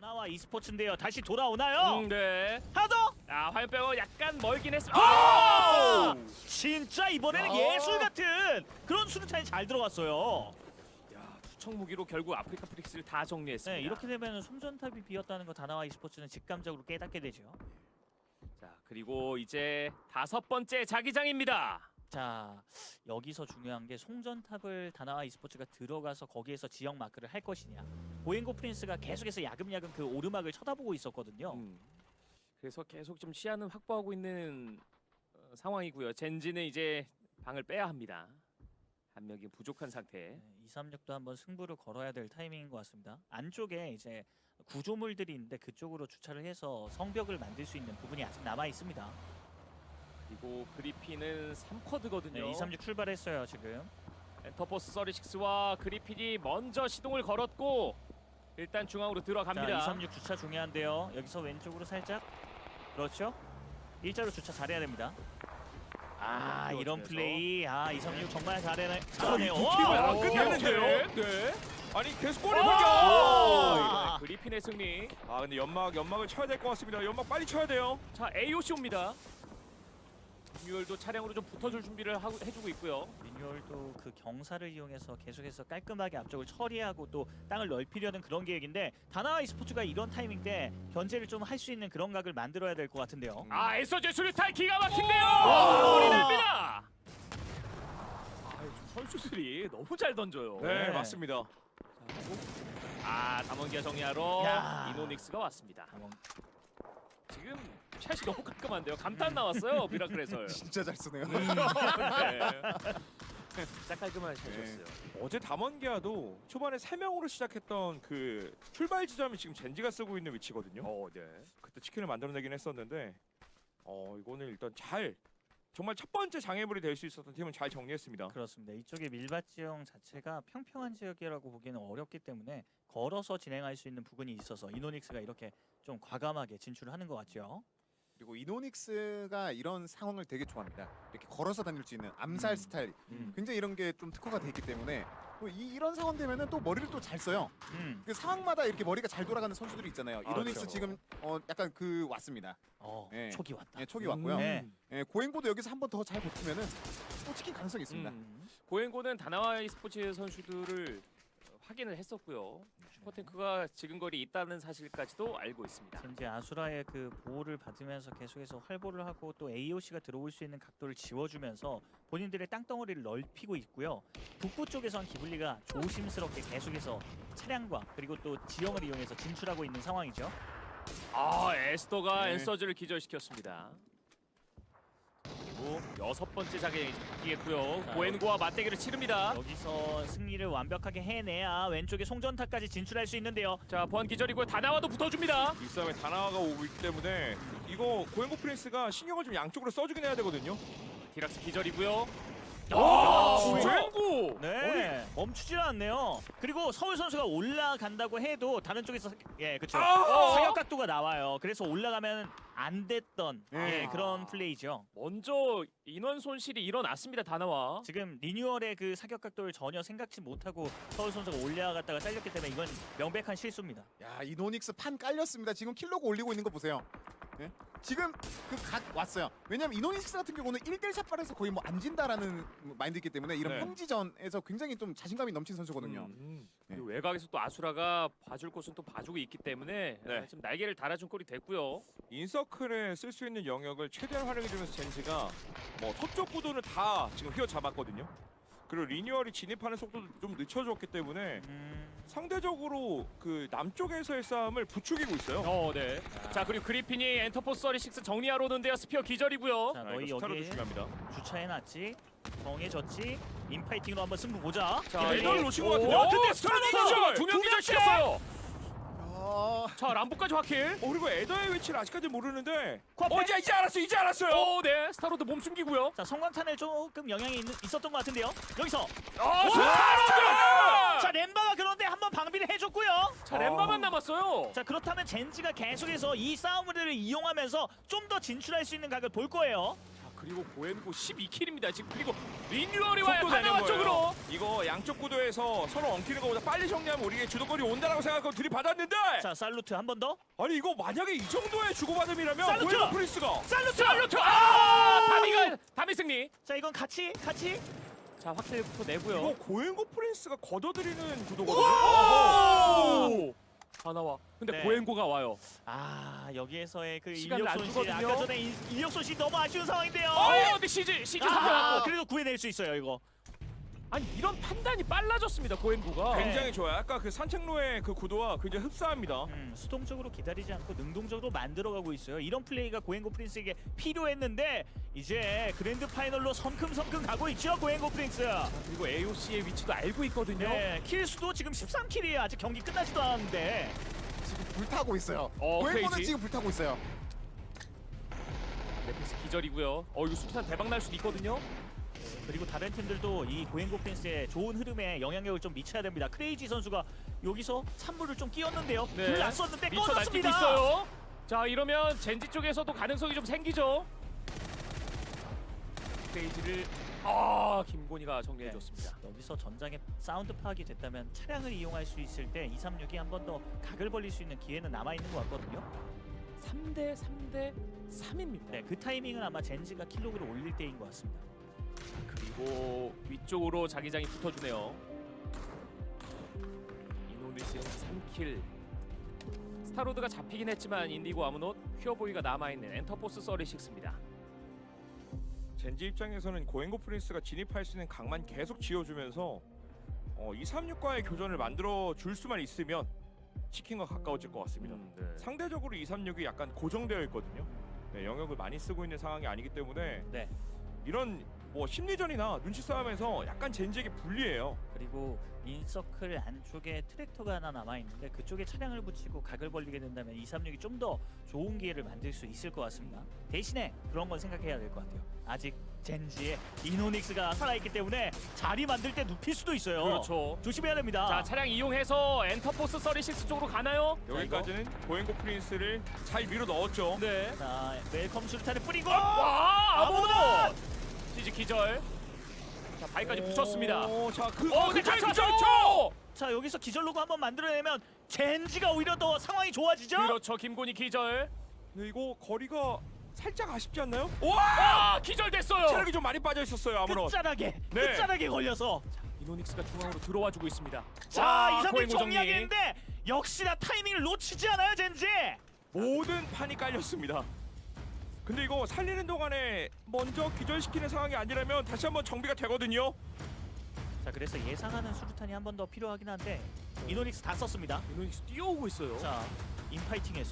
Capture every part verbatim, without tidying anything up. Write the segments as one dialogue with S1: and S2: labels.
S1: 다나와 e스포츠인데요. 다시 돌아오나요?
S2: 음, 네.
S1: 하나 더!
S2: 아, 화염 빼고 약간 멀긴 했습니다.
S1: 아! 진짜 이번에는
S3: 아.
S1: 예술 같은 그런 수류탄이 잘 들어갔어요.
S2: 야, 투척 무기로 결국 아프리카 프릭스를 다 정리했습니다.
S1: 네, 이렇게 되면 송전탑이 비었다는 거 다나와 e스포츠는 직감적으로 깨닫게 되죠.
S2: 자, 그리고 이제 다섯 번째 자기장입니다.
S1: 자, 여기서 중요한 게 송전탑을 다나와 e스포츠가 들어가서 거기에서 지역 마크를 할 것이냐. 보행고 프린스가 계속해서 야금야금 그 오르막을 쳐다보고 있었거든요.
S2: 음. 그래서 계속 좀 시야는 확보하고 있는 어, 상황이고요. 젠지는 이제 방을 빼야 합니다. 한 명이 부족한 상태.
S1: 네, 이삼육도 한번 승부를 걸어야 될 타이밍인 것 같습니다. 안쪽에 이제 구조물들이 있는데 그쪽으로 주차를 해서 성벽을 만들 수 있는 부분이 아직 남아 있습니다.
S2: 그리고 그리핀은 삼 쿼드거든요.
S1: 네, 이삼육 출발했어요 지금.
S2: 엔터포스 서리식스와 그리핀이 먼저 시동을 걸었고 일단 중앙으로 들어갑니다.
S1: 자, 이삼육 주차 중요한데요. 여기서 왼쪽으로 살짝. 그렇죠. 일자로 주차 잘해야 됩니다. 아, 이런
S2: 그렇죠.
S1: 플레이. 아, 이삼육 정말 잘해네.
S3: 아,
S1: 잘하네요.
S3: 이
S1: 와!
S3: 안
S2: 오,
S3: 끝났는데요?
S2: 네.
S3: 아니 계속 골을
S1: 오!
S3: 먹여.
S1: 아.
S2: 네, 그리핀의 승리.
S3: 아 근데 연막 연막을 쳐야 될 것 같습니다. 연막 빨리 쳐야 돼요.
S2: 자, 에이오씨 옵니다. 뉴얼도 차량으로 좀 붙어줄 준비를 하고, 해주고 있고요.
S1: 리뉴얼도 그 경사를 이용해서 계속해서 깔끔하게 앞쪽을 처리하고 또 땅을 넓히려는 그런 계획인데 다나와 e스포츠가 이런 타이밍 때 견제를 좀 할 수 있는 그런 각을 만들어야 될 것 같은데요.
S2: 아, 에서제 수류탄 기가 막힌데요.
S1: 오!
S2: 골이 납니다. 아, 선수들이 너무 잘 던져요.
S3: 네,
S1: 네.
S3: 맞습니다.
S2: 자, 그리고 아, 담원기아 정리하러
S1: 야.
S2: 이노닉스가 왔습니다.
S1: 한번
S2: 지금 샷이 너무 깔끔한데요. 감탄 나왔어요. 미라클 해설.
S4: 진짜 잘 쓰네요.
S2: 네. 진짜 깔끔한 샷이었어요.
S3: 어제 담원기아도 초반에 세 명으로 시작했던 그 출발 지점이 지금 젠지가 쓰고 있는 위치거든요.
S2: 어, 네.
S3: 그때 치킨을 만들어내긴 했었는데 어 이거는 일단 잘 정말 첫 번째 장애물이 될 수 있었던 팀은 잘 정리했습니다.
S1: 그렇습니다. 이쪽에 밀밭 지형 자체가 평평한 지역이라고 보기에는 어렵기 때문에 걸어서 진행할 수 있는 부분이 있어서 이노닉스가 이렇게 좀 과감하게 진출을 하는 것 같죠.
S4: 그리고 이노닉스가 이런 상황을 되게 좋아합니다. 이렇게 걸어서 다닐 수 있는 암살
S1: 음.
S4: 스타일,
S1: 음.
S4: 굉장히 이런 게 좀 특화가 돼 있기 때문에 또 이, 이런 상황 되면은 또 머리를 또 잘 써요.
S1: 음.
S4: 그 상황마다 이렇게 머리가 잘 돌아가는 선수들이 있잖아요.
S3: 아,
S4: 이노닉스
S3: 그렇죠.
S4: 지금 어 약간 그 왔습니다.
S1: 어,
S4: 예.
S1: 촉이 왔다.
S4: 예, 촉이 왔고요.
S1: 네.
S4: 예, 고행보도 여기서 한 번 더 잘 버티면은 또 치킨 가능성이 있습니다.
S2: 음. 고행고는 다나와 e스포츠 선수들을 어, 확인을 했었고요. 슈퍼탱크가 지근거리 있다는 사실까지도 알고 있습니다.
S1: 젠지 아수라의 그 보호를 받으면서 계속해서 활보를 하고 또 에이오씨가 들어올 수 있는 각도를 지워주면서 본인들의 땅덩어리를 넓히고 있고요. 북부 쪽에선 기블리가 조심스럽게 계속해서 차량과 그리고 또 지형을 이용해서 진출하고 있는 상황이죠.
S2: 아, 에스더가
S4: 네.
S2: 엔서즈를 기절시켰습니다. 그리고 여섯 번째 자격이 바뀌겠고요.
S1: 자,
S2: 고엔고와 맞대결을 치릅니다.
S1: 여기서 승리를 완벽하게 해내야 왼쪽에 송전탑까지 진출할 수 있는데요.
S2: 자, 보안 기절이고 다나와도 붙어줍니다.
S3: 이 싸움에 다나와가 오고 있기 때문에 이거 고행고 프린스가 신경을 좀 양쪽으로 써주긴 해야 되거든요.
S2: 디락스 기절이고요.
S1: 아,
S2: 고엔고!
S1: 네, 멈추질 않네요. 그리고 서울 선수가 올라간다고 해도 다른 쪽에서 예, 그렇죠.
S3: 아!
S1: 사격 각도가 나와요. 그래서 올라가면 안 됐던 예,
S4: 네.
S1: 그런 플레이죠.
S2: 먼저 인원 손실이 일어났습니다. 다나와.
S1: 지금 리뉴얼의 그 사격 각도를 전혀 생각지 못하고 서울 선수가 올라갔다가 잘렸기 때문에 이건 명백한 실수입니다.
S4: 야, 이노닉스 판 깔렸습니다. 지금 킬로그 올리고 있는 거 보세요. 예? 지금 그 각 왔어요. 왜냐면 이노닉스 같은 경우는 일 대 일 샷발에서 거의 뭐 안 진다라는 마인드이기 때문에 이런
S3: 네.
S4: 평지전에서 굉장히 좀 자신감이 넘치는 선수거든요.
S3: 음.
S2: 그리고 외곽에서 또 아수라가 봐줄 곳은 또 봐주고 있기 때문에
S3: 네.
S2: 아, 지금 날개를 달아준 꼴이 됐고요.
S3: 인서클에 쓸 수 있는 영역을 최대한 활용해주면서 젠지가 뭐 서쪽 구도는 다 지금 휘어잡았거든요. 그리고 리뉴얼이 진입하는 속도도 좀 늦춰줬기 때문에
S1: 음,
S3: 상대적으로 그 남쪽에서의 싸움을 부추기고 있어요.
S2: 어, 네. 자, 그리고 그리핀이 엔터포스 서리식스 정리하러 오는데요. 스피어 기절이고요.
S1: 자,
S3: 아,
S1: 너희
S3: 이거 스타로도
S1: 여기에
S3: 중요합니다.
S1: 주차해놨지. 정해졌지. 인파이팅으로 한번 승부 보자.
S2: 자,
S1: 기다리-
S3: 이걸 놓친 것
S2: 오,
S3: 같은데. 어, 근데
S2: 스타로
S3: 스타로
S2: 기절!
S3: 기절!
S2: 두명
S3: 두
S2: 기절
S3: 명째!
S2: 시켰어요.
S4: 아,
S2: 자, 람보까지 확킬.
S3: 어, 그리고 에더의 위치를 아직까지 모르는데
S1: 코앞에.
S3: 어, 이제 이제 알았어, 이제 알았어요.
S2: 오, 네. 스타로드 몸 숨기고요.
S1: 자, 성광탄을 조금 영향이 있, 있었던 것 같은데요. 여기서
S2: 아,
S1: 자,
S2: 스타로드!
S1: 램바가 그런데 한번 방비를 해줬고요.
S2: 자, 램바만 남았어요.
S1: 자, 그렇다면 젠지가 계속해서 이 싸움을 이용하면서 좀 더 진출할 수 있는 각을 볼 거예요.
S2: 자, 그리고 고엔고 십이 킬입니다. 지금 그리고 리뉴얼이 와요.
S3: 속도 내는
S2: 바나와
S3: 거예요.
S2: 쪽으로.
S3: 이거 양쪽 구도에서 서로 엉키는 것보다 빨리 정리하면 우리에게 주도권이 온다라고 생각하고 들이받았는데
S1: 자 살루트 한 번 더.
S3: 아니 이거 만약에 이 정도의 주고받음이라면
S1: 살루트!
S3: 고에노 프린스가
S1: 살루트.
S2: 살루트. 아! 다미가 다미 승리.
S1: 자 이건 같이 같이.
S2: 자 확실부터 내고요.
S3: 이거 고행고 프린스가 걷어들이는 구도거든요.
S2: 오! 하나와. 근데
S1: 네.
S2: 고엔고가 와요.
S1: 아 여기에서의 그
S2: 시간을
S1: 인력
S2: 안
S1: 손실
S2: 주거든요.
S1: 아까 전에 인- 인력 손실 너무 아쉬운 상황인데요.
S2: 어, 근데 시즈 시즈
S1: 아,
S2: 선택하고.
S1: 그래도 구해낼 수 있어요 이거.
S2: 아니 이런 판단이 빨라졌습니다. 고엔고가.
S1: 네.
S3: 굉장히 좋아요. 아까 그 산책로의 그 구도와 굉장히 흡사합니다.
S1: 음, 수동적으로 기다리지 않고 능동적으로 만들어가고 있어요. 이런 플레이가 고행고 프린스에게 필요했는데 이제 그랜드 파이널로 성큼성큼 가고 있죠 고행고 프린스.
S2: 그리고 에이오씨의 위치도 알고 있거든요.
S1: 네, 킬 수도 지금 십삼 킬이에요. 아직 경기 끝나지도 않았는데.
S4: 지금 불타고 있어요.
S2: 어,
S4: 고행고는
S2: 크레이지.
S4: 지금 불타고 있어요.
S2: 네피스 기절이고요. 어 이거 수탄 대박 날 수도 있거든요.
S1: 그리고 다른 팀들도 이 고행고 프린스의 좋은 흐름에 영향력을 좀 미쳐야 됩니다. 크레이지 선수가 여기서 찬물을 좀 끼웠는데요.
S2: 네.
S1: 불 났었는데
S2: 미쳐 날뛰고
S1: 꺼졌습니다.
S2: 있어요. 자 이러면 젠지 쪽에서도 가능성이 좀 생기죠. 페이지를 아 김곤이가 정리해
S1: 네.
S2: 줬습니다.
S1: 여기서 전장에 사운드 파악이 됐다면 차량을 이용할 수 있을 때 이삼육이 한 번 더 각을 벌릴 수 있는 기회는 남아 있는 것 같거든요.
S2: 삼 대 삼 대 삼입니다.
S1: 네, 그 타이밍은 아마 젠지가 킬로그를 올릴 때인 것 같습니다.
S2: 그리고 위쪽으로 자기장이 붙어주네요. 이노니스의 삼 킬. 스타로드가 잡히긴 했지만 인디고 아무노 퓨어보이가 남아있는 엔터포스 서리식스입니다.
S3: 젠지 입장에서는 고행고 프린스가 진입할 수 있는 각만 계속 지어주면서 어, 이삼육과의 교전을 만들어 줄 수만 있으면 치킨과 가까워질 것 같습니다.
S2: 음, 네.
S3: 상대적으로 이삼육이 약간 고정되어 있거든요. 네, 영역을 많이 쓰고 있는 상황이 아니기 때문에
S1: 네.
S3: 이런 뭐 심리전이나 눈치 싸움에서 약간 젠지에게 불리해요.
S1: 그리고 인서클 안쪽에 트랙터가 하나 남아있는데 그쪽에 차량을 붙이고 각을 벌리게 된다면 이삼육이 좀 더 좋은 기회를 만들 수 있을 것 같습니다. 대신에 그런 건 생각해야 될 것 같아요. 아직 젠지의 이노닉스가 살아있기 때문에 자리 만들 때 눕힐 수도 있어요.
S2: 그렇죠.
S1: 조심해야 됩니다.
S2: 자 차량 이용해서 엔터포스 서리식스 쪽으로 가나요?
S3: 여기까지는 고행고 프린스를 잘 밀어 넣었죠.
S2: 네.
S1: 자, 웰컴 수류탄을 뿌리고
S2: 와
S1: 아무도!
S2: 아무도 시즈 기절. 자 바위까지 붙였습니다.
S3: 오, 자, 그,
S2: 어,
S3: 그
S2: 근데
S3: 잘
S2: 갇혔죠!
S3: 붙였죠!
S1: 자 여기서 기절 로고 한번 만들어내면 젠지가 오히려 더 상황이 좋아지죠?
S2: 그렇죠. 김곤이 기절.
S3: 근데 이거 거리가 살짝 아쉽지 않나요?
S2: 와 기절됐어요.
S3: 체력이 좀 많이 빠져 있었어요, 아무런.
S1: 끝자락에
S3: 네.
S1: 끝자락에 걸려서
S2: 이노닉스가 중앙으로 들어와주고 있습니다.
S1: 자
S2: 와,
S1: 이삼육
S2: 고행고 정리.
S1: 정리하겠는데 역시나 타이밍을 놓치지 않아요 젠지.
S3: 모든 판이 깔렸습니다. 근데 이거 살리는 동안에 먼저 기절시키는 상황이 아니라면 다시 한번 정비가 되거든요.
S1: 자 그래서 예상하는 수류탄이 한 번 더 필요하긴 한데 이노닉스 다 썼습니다.
S2: 이노닉스 뛰어오고 있어요.
S1: 자 인파이팅에서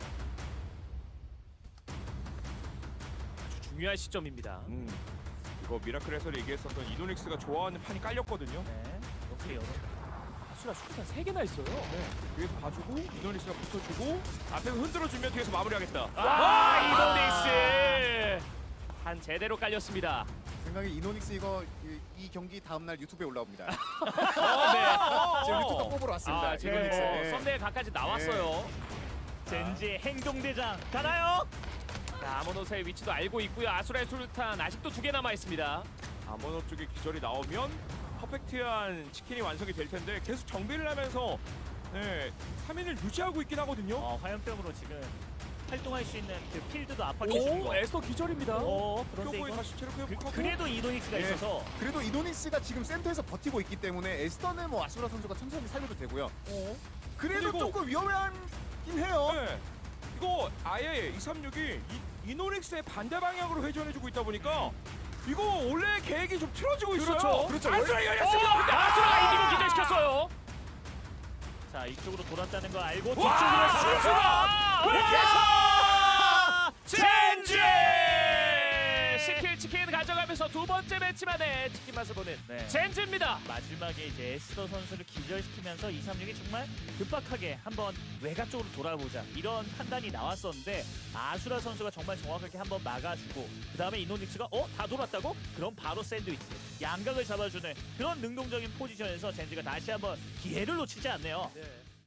S2: 아주 중요한 시점입니다.
S3: 음, 이거 미라클에서 얘기했었던 이노닉스가 좋아하는 판이 깔렸거든요.
S1: 네 이렇게 열어.
S2: 아수라 수류탄 세 개나 있어요.
S3: 네, 뒤에서 봐주고 이노닉스가 붙어주고 앞에서 흔들어주면 뒤에서 마무리하겠다.
S2: 와 이노닉스 한 제대로 깔렸습니다.
S4: 생각에 이노닉스 이거 이, 이 경기 다음 날 유튜브에 올라옵니다.
S2: 어, 네.
S4: 지금 유튜브 뽑으러 왔습니다.
S2: 아,
S4: 이노닉스.
S2: 네.
S4: 네.
S2: 썸네일 각까지 나왔어요.
S1: 젠지의 행동대장 가나요?
S2: 자, 아모노스의 위치도 알고 있고요. 아수라의 수류탄 아직도 두 개 남아 있습니다.
S3: 아모노 쪽에 기절이 나오면 퍼펙트한 치킨이 완성이 될 텐데 계속 정비를 하면서 네, 삼 인을 유지하고 있긴 하거든요.
S1: 어 화염병으로 지금 활동할 수 있는 그 필드도 압박해 주는
S2: 오,
S1: 거.
S2: 에스터 기절입니다.
S1: 어 그런데
S3: 뼈보이
S1: 이건
S3: 다시 체력
S1: 그,
S3: 회복하고
S1: 그래도 이노닉스가
S4: 예.
S1: 있어서
S4: 그래도 이노닉스가 지금 센터에서 버티고 있기 때문에 에스터는 뭐 아수라 선수가 천천히 살려도 되고요. 그래도
S3: 그리고-
S4: 조금 위험하긴 해요.
S3: 네. 이거 아예 이삼육이 이, 이노닉스의 반대 방향으로 회전해주고 있다 보니까 이거 원래 계획이 좀 틀어지고 있어요.
S2: 그렇죠.
S4: 그렇죠.
S3: 아수라
S2: 어,
S3: 열렸습니다.
S2: 근데 아수라가 이기고 기절시켰어요.
S1: 자 이쪽으로 돌았다는 거 알고 뒤쪽으로
S3: 와,
S1: 아수라!
S2: 와! 젠지! 십 킬 치킨 가져가면서 두 번째 매치 만에 치킨 맛을 보는
S1: 네.
S2: 젠지입니다.
S1: 마지막에 이제 에스더 선수를 기절시키면서 이삼육이 정말 급박하게 한번 외곽 쪽으로 돌아보자 이런 판단이 나왔었는데 아수라 선수가 정말 정확하게 한번 막아주고 그 다음에 이노닉스가 어? 다 돌았다고? 그럼 바로 샌드위치 양각을 잡아주는 그런 능동적인 포지션에서 젠지가 다시 한번 기회를 놓치지 않네요.
S2: 네.